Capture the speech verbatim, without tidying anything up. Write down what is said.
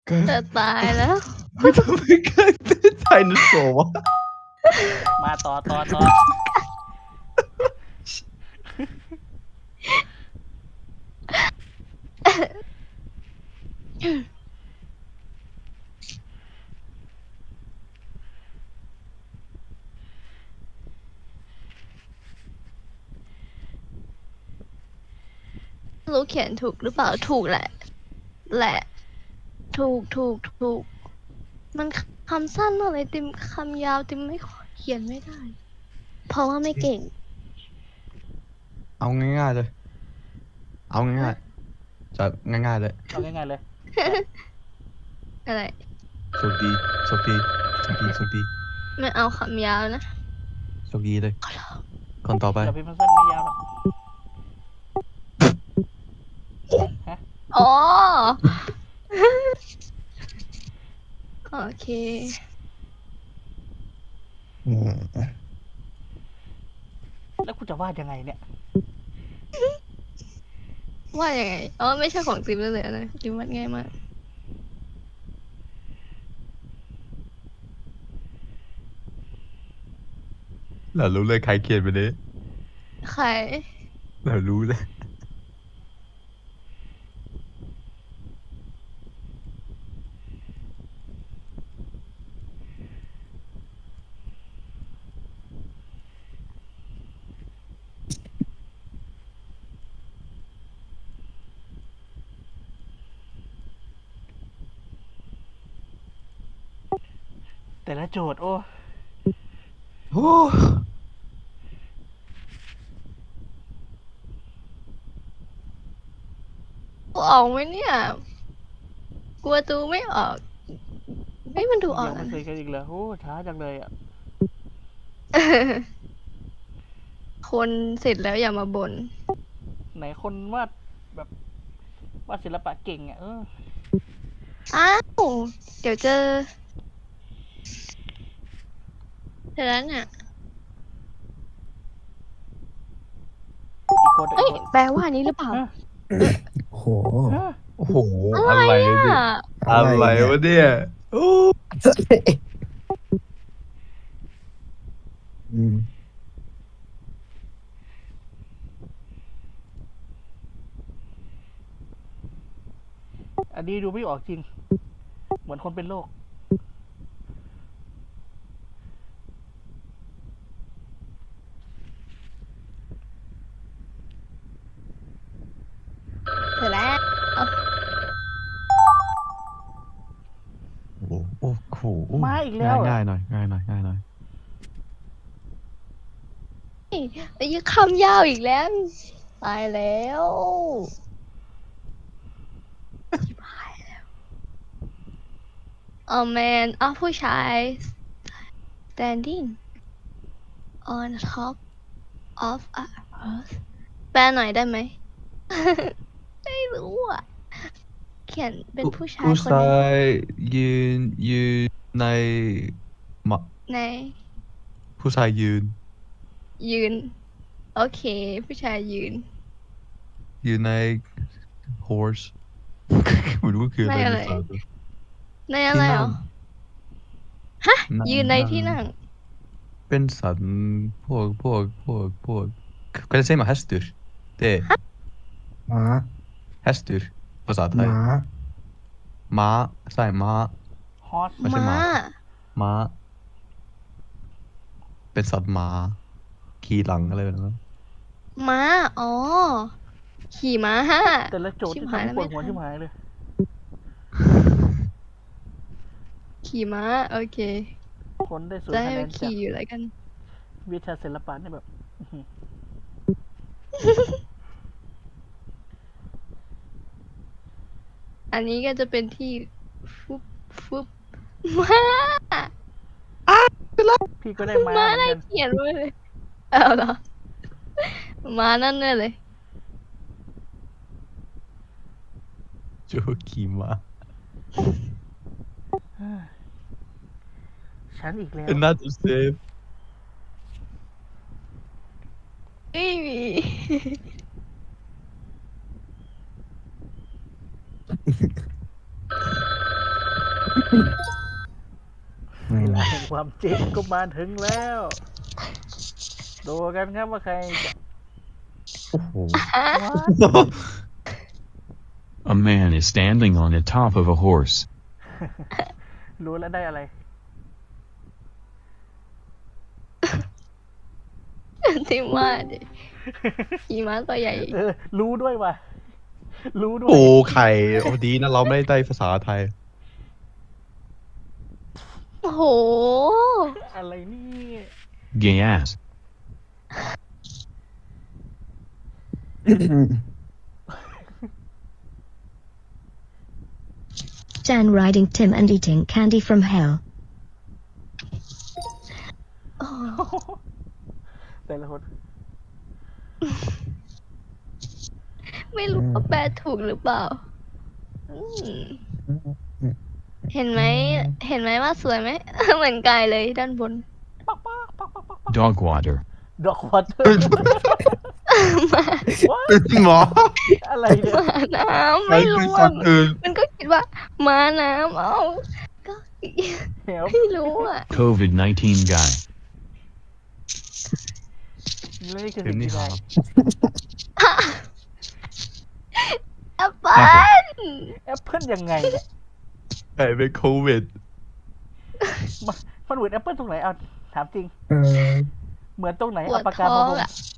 จะตายแล้วทำไมเกิดไดโนเสาร์วะมาต่อต่อต่อรู้เขียนถูกหรือเปล่าถูกแหละ แหละ ถูกถูกถูกมันคำสั้นมากเลยติมคำยาวติมไม่เขียนไม่ได้ เพราะว่าไม่เก่งเอาง่ายๆเลย เอาง่ายๆจะง่ายๆเลยเอาง่ายๆเลยอะไรโชคดีโชคดีโชคดีโชคดีไม่เอาคำยาวนะโชคดีเลย คนต่อไปอย่าพิมพ์สั้นไม่ยาวหรอกฮะอ๋อ โอเคแล้วกูจะวาดยังไงเนี่ยว่ายังไงอ๋อไม่ใช่ของติมเลยนะติมวาดง่ายมากเรารู้เลยใครเขียนไปเลยใครเรารู้เลยแต่ละโจทย์โอ้โอ้ออกไหมเนี่ย กลัวตูไม่ออกไม่มันดูออกยังแล้ไม่วเคยกันอีกเลยโอ้ช้าจังเลยอ่ะคนเสร็จแล้วอย่ามาบ่นไหนคนวาดแบบวาดศิลปะเก่งอ่ะเอออ้าว เดี๋ยวเจอเสร็จแล้วเนี่ยอีกคนเอ้อียกคนแปลว่านี้หรือเปล่าฮะโอ้โหฮะโอ้โห อะไรเนี่ยอ่ะอะไรวะเนี่ยโอ้อืมอันนี้ดูไม่ออกจริง เหมือนคนเป็นโรคเสร็จแล้วโหโอ้โหมาอีกแล้วเหรอง่ายๆหน่อยง่ายหน่อยง่ายหน่อยไอ้ยคำยาวอีกแล้ว ตายแล้วชิบหายแล้วอ๋อแมนอ๋อผู้ชาย standing on top of a earth แปลหน่อยได้ไหม ไม่รู้อ่ะ เขียนเป็นผู้ชายผู้คนหชานึงยยืนยืนในมะในผู้ชายยืนยืน โอเค ผู้ชายยืนยืนใน horse ไม่รู้คืออะไรในอะไรภาษาในอะไรเหรอ ฮะนั่งยืนในที่นั่งเป็นสัตว์พวกพวกพวกพวก Kan jag säga med hästur? Det är หมา hästur ภาษาไทหยมาม้าใช่ม้าฮอสไม่ใช่ม้าม้า ม้า เป็นสัตว์ม้า ขี่หลังอะไรแบบนั้นม้า อ๋อ ขี่ม้าแต่ละโจทย์ชิบที่หายทำให้แล้วปวดไม่หัวทันชิบหายเลยขี่ม้า โอเคคนได้ศูนจะย์ให้คะแนมันนจากขี่อยู่แล้วกันวิชาศิลปะเนี่ยแบบอื้อหืออันนี้ก็จะเป็นที่ฟุบฟุบม้าพี่ก็ได้มาม้าเหมือนได้กันเขียนไว้เลย เอาเหรอ ม้านั่นเนี่ยเลยโจขี่ม้าฉันอีกแล้ว And that's the same ไม่มีไม่ละแห่งความจริงก็มาถึงแล้ว ดูกันครับว่าใครจะโอ้โห What? A man is standing on the top of a horse. รู้แล้วได้อะไรที่มาดิขี่ม้าตัวใหญ่เออ รู้ด้วยว่ะ รู้ด้วยโอ้ไข่โอ้ดีนะเราไม่ได้ภาษาไทยโอ้โหอะไรนี่ Gay ass. Jan riding Tim and eating candy from hell. โอ้แต่ละคนไม่รู้ว่าแปลถูกหรือเปล่าอืมเห็นไหม เห็นไหมว่าสวยไหม เหมือนกายเลยด้านบนปักปักปักปักปักปัก Dog water. ดอกวอเตอร์หมออะไรเนี่ยม้าน้ำใครไม่คือรู้สัอ่ะตว์อื่นมันก็คิดว่าม้าน้ำเอ้าก็เดี๋ยวไม่รู้อ่ะ COVID nineteen guy. นี่คือเห็สิ่นงนี่ที่คได้รับแอปเปิ้ลแอปเปิลยังไงเนี่ยไข่เป็นโควิดมันมันเหมือนแอปเปิลตรงไหนเอาถามจริงเออเหมือนตรงไหนปวเอาดปากกาท้อมาง วงอ่ะ